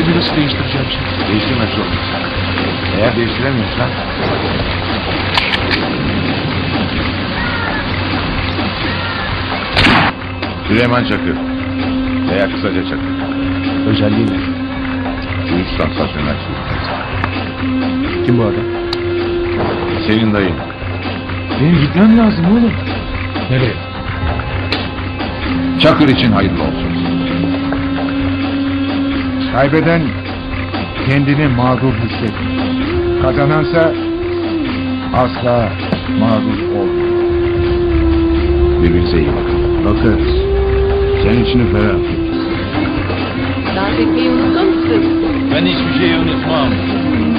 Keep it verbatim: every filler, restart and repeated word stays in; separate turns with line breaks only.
ismi nasıl değiştireceğim şimdi?
Değiştirmek zor. Eğer değiştiremiyorsan... Süleyman Çakır. Veya kısaca Çakır.
Özelliği ne?
Üç sansasyonel suikast.
Kim bu adam?
Senin dayın.
Benim gitmem lazım oğlum. Nereye?
Çakır için hayırlı olsun.
Kaybeden kendini mağdur hissetmiş. Kazanansa asla mağdur olmuyor.
Birbirinize iyi bakın.
Bakarız. Sen içini ferah tut.
Dans etmeyi unuttun musun?
Ben hiçbir şeyi unutmam.